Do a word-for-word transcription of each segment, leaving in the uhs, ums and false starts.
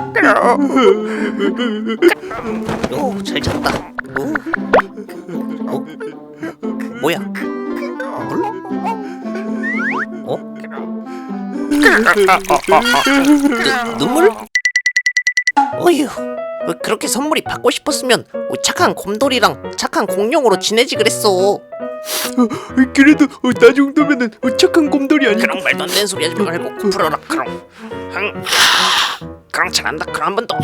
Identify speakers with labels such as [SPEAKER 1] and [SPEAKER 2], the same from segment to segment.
[SPEAKER 1] 오, 잘 잤다. 오. 어? 뭐야? 물? 어? 누, 눈물? 어휴, 그렇게 선물이 받고 싶었으면 착한 곰돌이랑 착한 공룡으로 지내지 그랬어.
[SPEAKER 2] 그래도 어, 나 정도면은 어, 착한 곰돌이 아니고.
[SPEAKER 1] 그럼 말도 안 되는 소리 하지 말고 코 풀어라. 그럼 흥. 그럼 잘한다. 그럼 한 번 더.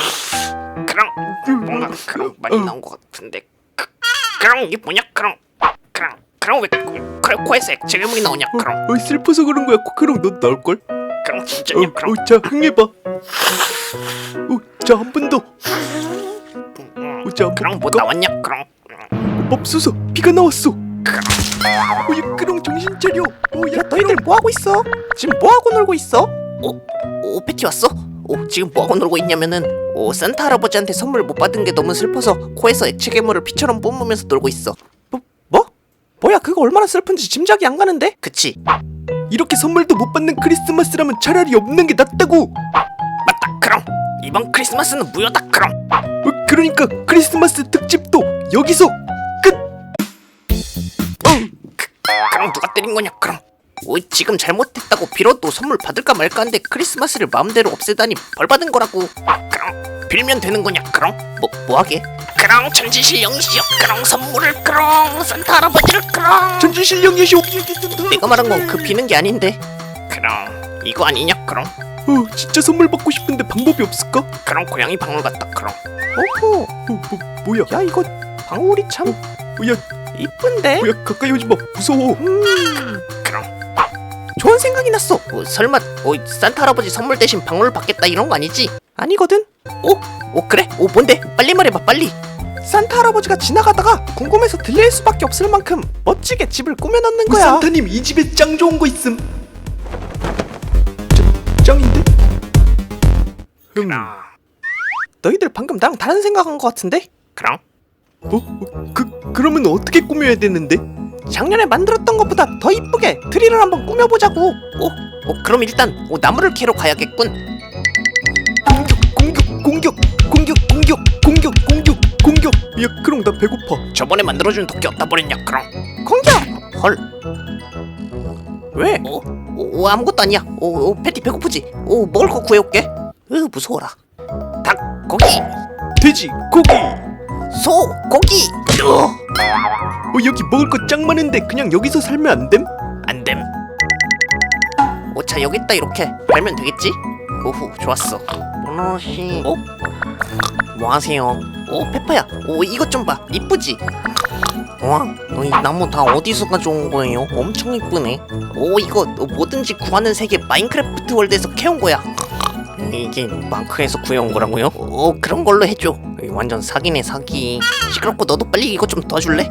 [SPEAKER 1] 그럼 뭔가 그럼 많이 나온 것 같은데. 그, 그럼 이게 뭐냐? 그럼 그럼 그럼 왜 그, 그래 코에서 액체괴물이 나오냐? 그럼
[SPEAKER 2] 어, 슬퍼서 그런 거야. 그럼 너 나올 걸.
[SPEAKER 1] 그럼 진짜냐?
[SPEAKER 2] 어,
[SPEAKER 1] 그럼
[SPEAKER 2] 어, 자 흥해봐. 어, 자 한 번 더. 어, 자 한
[SPEAKER 1] 그럼
[SPEAKER 2] 번
[SPEAKER 1] 뭐
[SPEAKER 2] 볼까?
[SPEAKER 1] 나왔냐? 그럼
[SPEAKER 2] 맙소사 피가 나왔어. 어, 야, 그럼 정신 차려. 어, 야,
[SPEAKER 3] 너희들 뭐 하고 있어? 지금 뭐 하고 놀고 있어?
[SPEAKER 1] 오, 오 패티 왔어? 오 지금 뭐 하고 놀고 있냐면은 오 산타 할아버지한테 선물 못 받은 게 너무 슬퍼서 코에서 액체괴물을 피처럼 뿜으면서 놀고 있어.
[SPEAKER 3] 뭐? 뭐? 뭐야 그거 얼마나 슬픈지 짐작이 안 가는데?
[SPEAKER 1] 그치?
[SPEAKER 2] 이렇게 선물도 못 받는 크리스마스라면 차라리 없는 게 낫다고.
[SPEAKER 1] 맞다. 그럼 이번 크리스마스는 무효다. 그럼
[SPEAKER 2] 어, 그러니까 크리스마스 특집도 여기서 끝.
[SPEAKER 1] 그럼 누가 때린 거냐? 그럼 오 지금 잘못했다고 빌어도 선물 받을까 말까 한데 크리스마스를 마음대로 없애다니 벌 받은 거라고. 그럼 빌면 되는 거냐? 그럼 뭐 뭐하게? 그럼 천지실 영시여. 그럼 선물을 그럼 산타 할아버지를 그럼
[SPEAKER 2] 전주실령 예시 옵.
[SPEAKER 1] 내가 말한 건 그 비는 게 아닌데. 그럼 이거 아니냐? 그럼
[SPEAKER 2] 어, 진짜 선물 받고 싶은데 방법이 없을까? 어,
[SPEAKER 1] 그럼 고양이 방울 같다. 그럼
[SPEAKER 3] 오호
[SPEAKER 2] 뭐, 뭐야?
[SPEAKER 3] 야 이거 방울이 참
[SPEAKER 2] 어, 야,
[SPEAKER 3] 이쁜데?
[SPEAKER 2] 뭐야? 가까이 오지 마. 무서워.
[SPEAKER 3] 음
[SPEAKER 1] 그럼
[SPEAKER 3] 좋은 생각이 났어.
[SPEAKER 1] 어, 설마 어, 산타 할아버지 선물 대신 방울을 받겠다 이런 거 아니지?
[SPEAKER 3] 아니거든.
[SPEAKER 1] 오, 오 그래? 오 뭔데? 빨리 말해봐 빨리.
[SPEAKER 3] 산타 할아버지가 지나가다가 궁금해서 들릴 수밖에 없을 만큼 멋지게 집을 꾸며놓는 거야.
[SPEAKER 2] 산타님 이 집에 짱 좋은 거 있음. 짱, 짱인데? 음.
[SPEAKER 3] 너희들 방금 나랑 다른 생각한 거 같은데?
[SPEAKER 1] 그럼
[SPEAKER 2] 어? 어? 그 그러면 어떻게 꾸며야 되는데?
[SPEAKER 3] 작년에 만들었던 것보다 더 이쁘게 트리를 한번 꾸며보자고.
[SPEAKER 1] 오, 오 그럼 일단 오, 나무를 캐러 가야겠군.
[SPEAKER 2] 공격, 공격, 공격, 공격, 공격, 공격, 공격. 야, 그럼 나 배고파.
[SPEAKER 1] 저번에 만들어준 도끼 어디다 버렸냐? 그럼
[SPEAKER 3] 공격!
[SPEAKER 1] 헐.
[SPEAKER 3] 왜?
[SPEAKER 1] 오, 오, 오 아무것도 아니야. 오, 오 패티 배고프지? 오 먹을 거 구해올게. 으 무서워라. 닭 고기,
[SPEAKER 2] 돼지, 고기.
[SPEAKER 1] 소 고기. 으,
[SPEAKER 2] 어, 여기 먹을 거 짱 많은데 그냥 여기서 살면 안 됨?
[SPEAKER 1] 안됨. 오자 여기 있다 이렇게 팔면 되겠지? 오후 좋았어. 모노씨. 어? 뭐하세요? 오 페퍼야. 오 이것 좀 봐. 이쁘지? 와, 이 나무 다 어디서 가져온 거예요? 엄청 이쁘네. 오 이거 뭐든지 구하는 세계 마인크래프트 월드에서 캐온 거야. 이게 마크에서 구해온 거라고요? 오 그런 걸로 해줘. 완전 사기네 사기. 시끄럽고 너도 빨리 이거 좀 도와줄래?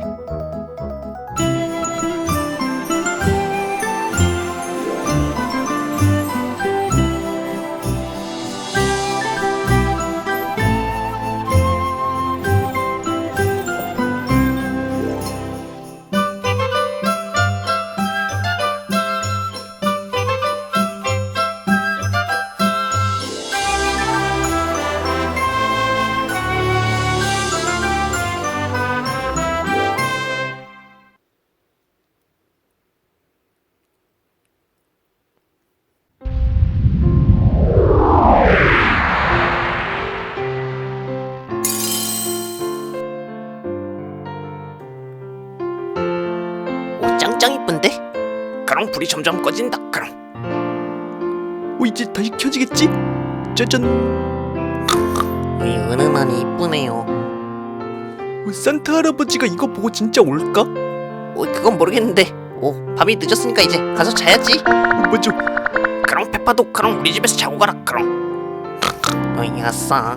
[SPEAKER 1] 오 짱짱 이쁜데? 그럼 불이 점점 꺼진다. 그럼
[SPEAKER 2] 어, 이제 다시 켜지겠지? 짜잔.
[SPEAKER 1] 이 은은하니 이쁘네요.
[SPEAKER 2] 어, 산타 할아버지가 이거 보고 진짜 올까?
[SPEAKER 1] 오 그건 모르겠는데. 오 밤이 늦었으니까 이제 가서 자야지.
[SPEAKER 2] 어, 맞아.
[SPEAKER 1] 그럼 페파도 그럼 우리 집에서 자고 가라. 그럼 어이 아싸.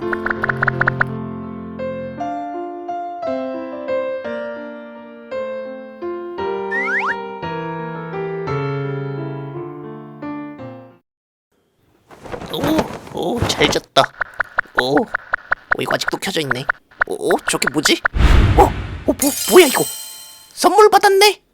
[SPEAKER 1] 오, 오, 잘 잤다. 오, 오, 이거 아직도 켜져 있네. 오, 오, 저게 뭐지? 어, 어, 뭐, 뭐야 이거? 선물 받았네.